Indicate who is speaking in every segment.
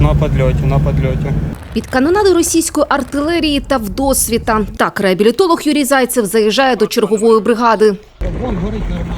Speaker 1: на подльоті, на подльоті.
Speaker 2: Під канонади російської артилерії та вдосвіта. Так реабілітолог Юрій Зайцев заїжджає до чергової бригади.
Speaker 1: Вон горить нормально.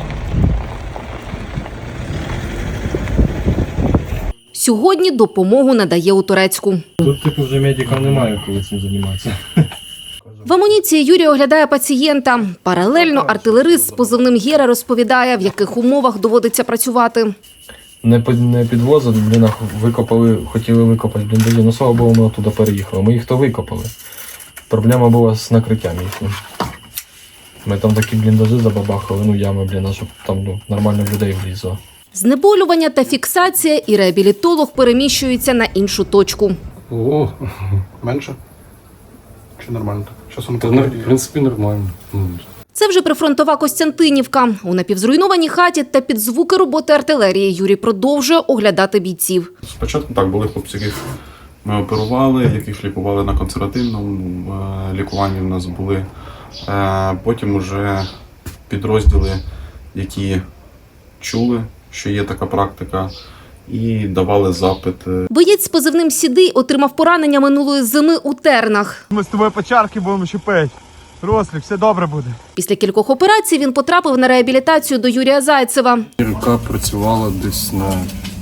Speaker 2: Сьогодні допомогу надає у Турецьку.
Speaker 3: Тут типу вже медика немає, коли цим займатися.
Speaker 2: В амуніції Юрій оглядає пацієнта. Паралельно артилерист з позивним «Гера» розповідає, в яких умовах доводиться працювати.
Speaker 3: Не підвозили, хотіли викопати бліндажі, ну слава Богу, ми оттуда переїхали. Ми їх то викопали. Проблема була з накриттям їхнім. Ми там такі бліндажі забабахали, ями, щоб там нормально людей влізло.
Speaker 2: Знеболювання та фіксація, і реабілітолог переміщується на іншу точку.
Speaker 4: О, менше? Чи нормально так?
Speaker 3: В принципі, нормально.
Speaker 2: Це вже прифронтова Костянтинівка. У напівзруйнованій хаті та під звуки роботи артилерії Юрій продовжує оглядати бійців.
Speaker 5: Спочатку так, були хлопці, яких ми оперували, яких лікували на консервативному лікуванні в нас були. Потім уже підрозділи, які чули, що є така практика, і давали запит.
Speaker 2: Боєць з позивним «Сідий» отримав поранення минулої зими у Тернах.
Speaker 1: Ми з тобою по чарки будемо щепити. Рослік, все добре буде.
Speaker 2: Після кількох операцій він потрапив на реабілітацію до Юрія Зайцева.
Speaker 4: Рука працювала десь на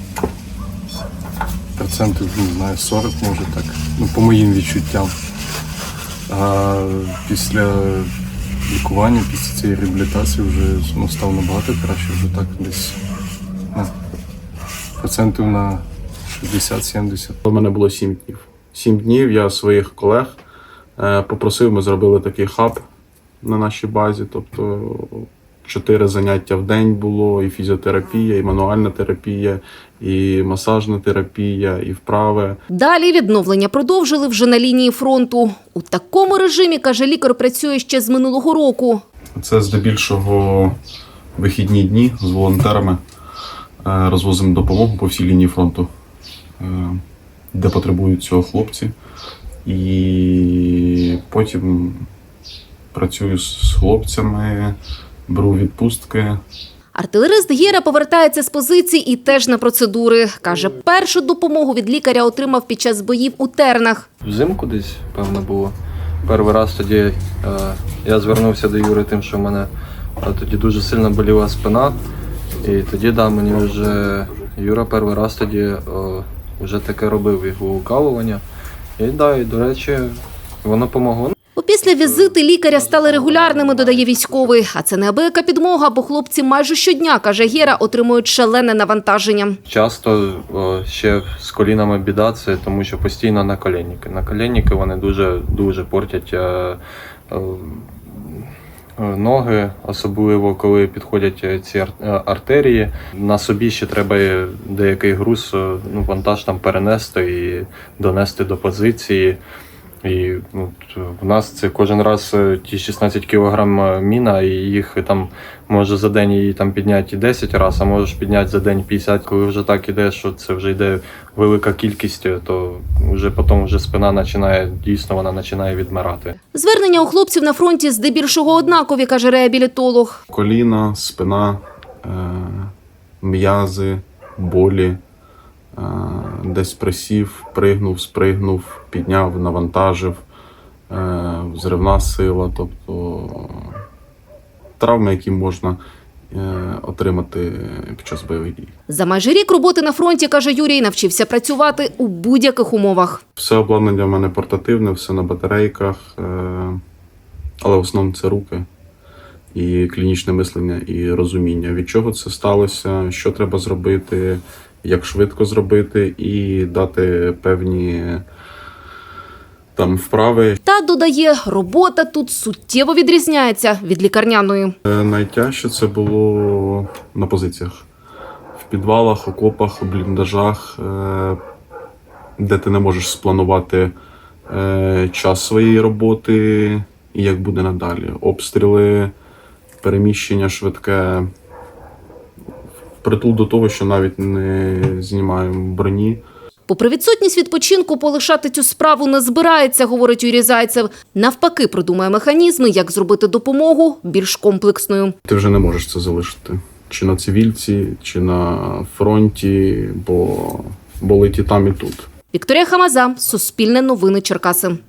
Speaker 4: процентів, 40, може так, по моїм відчуттям. А після лікування, після цієї реабілітації вже став набагато краще, вже так десь процентів на 60-70.
Speaker 5: У мене було 7 днів. 7 днів я своїх колег попросив, ми зробили такий хаб на нашій базі, тобто 4 заняття в день було, і фізіотерапія, і мануальна терапія, і масажна терапія, і вправи.
Speaker 2: Далі відновлення продовжили вже на лінії фронту. У такому режимі, каже лікар, працює ще з минулого року.
Speaker 5: Це здебільшого вихідні дні з волонтерами. Розвозимо допомогу по всій лінії фронту, де потребують цього хлопці. І потім працюю з хлопцями, беру відпустки.
Speaker 2: Артилерист «Гера» повертається з позицій і теж на процедури. Каже, першу допомогу від лікаря отримав під час боїв у Тернах.
Speaker 3: Взимку десь, певно, було. Перший раз тоді я звернувся до Юри тим, що в мене тоді дуже сильно боліла спина. І тоді, мені вже Юра перший раз тоді вже таке робив його укалування. І, до речі, воно допомогло.
Speaker 2: Опісля візити лікаря стали регулярними, додає військовий. А це неабияка підмога, бо хлопці майже щодня, каже «Гера», отримують шалене навантаження.
Speaker 3: Часто ще з колінами біда, це тому що постійно наколенники. Наколенники вони дуже портять ноги, особливо коли підходять ці артерії. На собі ще треба деякий груз, вантаж там перенести і донести до позиції. І в нас це кожен раз ті 16 кілограм міна, і їх там може за день її там підняти 10 разів, а можеш підняти за день 50. Коли вже так іде, що це вже йде велика кількість, то вже потім спина вона починає відмирати.
Speaker 2: Звернення у хлопців на фронті здебільшого однакові, каже реабілітолог.
Speaker 5: Коліна, спина, м'язи, болі. Десь присів, пригнув, спригнув, підняв, навантажив, взривна сила, тобто травми, які можна отримати під час бойових дій.
Speaker 2: За майже рік роботи на фронті, каже Юрій, навчився працювати у будь-яких умовах.
Speaker 5: Все обладнання в мене портативне, все на батарейках, але в основному це руки і клінічне мислення, і розуміння, від чого це сталося, що треба зробити, як швидко зробити і дати певні вправи.
Speaker 2: Та, додає, робота тут суттєво відрізняється від лікарняної.
Speaker 5: Найтяжче це було на позиціях. В підвалах, окопах, бліндажах, де ти не можеш спланувати час своєї роботи і як буде надалі. Обстріли, переміщення швидке. Притул до того, що навіть не знімаємо броні.
Speaker 2: Попри відсутність відпочинку, полишати цю справу не збирається, говорить Юрій Зайцев. Навпаки, продумає механізми, як зробити допомогу більш комплексною.
Speaker 5: Ти вже не можеш це залишити. Чи на цивільці, чи на фронті, бо болить і там, і тут.
Speaker 2: Вікторія Хамаза, Суспільне новини Черкаси.